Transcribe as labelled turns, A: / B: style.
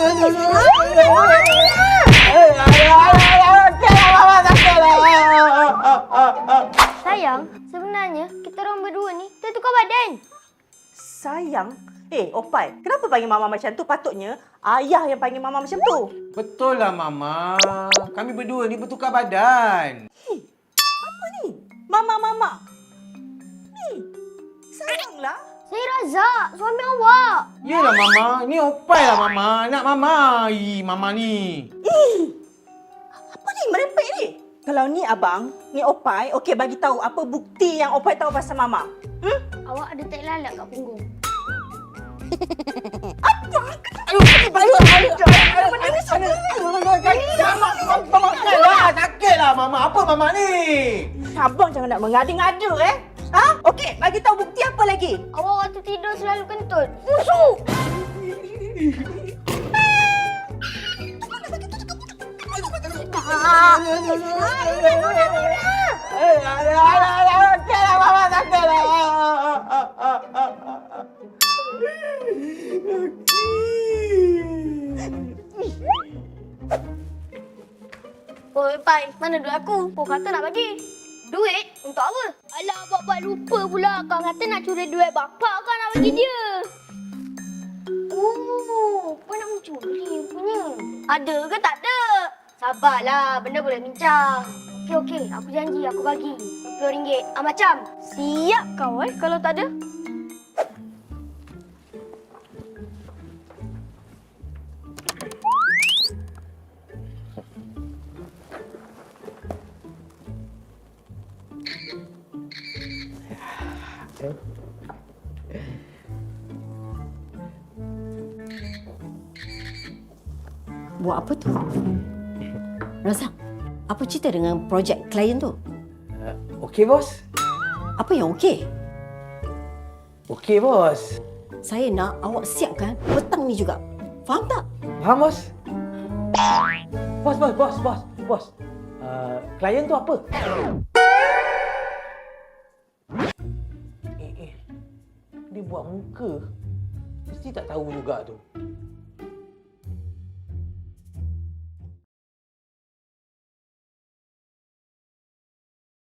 A: Sayang, sebenarnya kita orang berdua ni tertukar badan.
B: Sayang? Opai, kenapa panggil Mama macam tu? Patutnya ayah yang panggil Mama macam tu.
C: Betul lah, Mama. Kami berdua ni bertukar badan.
B: Apa ni? Mama. Sayanglah.
A: Saya Razak, suami awak.
C: Yelah, Mama. Ni Opai lah, Mama. Anak Mama. Mama ni.
B: Apa ni? Merepek ni. Kalau ni abang, ni Opai, okey bagi tahu apa bukti yang Opai tahu pasal Mama.
A: Awak ada tai lalat kat punggung.
C: Sakit lah, Mama. Apa Mama ni?
B: Abang jangan nak mengada-ngada Okey, bagi tahu bukti apa lagi?
A: Awak waktu tidur selalu kentut. Busuk!
B: Okeylah, Mama sakitlah.
A: Oi, Pai, mana duit aku? Kau kata nak bagi. Duit? Untuk apa? Alah, bapak lupa pula. Kau kata nak curi duit bapak kan nak bagi dia. Oh, kau nak mencuri punya. Ada ke tak ada? Sabarlah, benda boleh bincang. Okey, aku janji aku bagi. RM20. Macam? Siap kau kalau tak ada.
D: Buat apa tu? Razak, apa cerita dengan projek klien tu?
C: Okey, bos.
D: Apa yang okey?
C: Okey, bos.
D: Saya nak awak siapkan petang ni juga. Faham tak?
C: Faham, bos? Bos. Klien tu apa? Dia buat muka. Mesti tak tahu juga tu.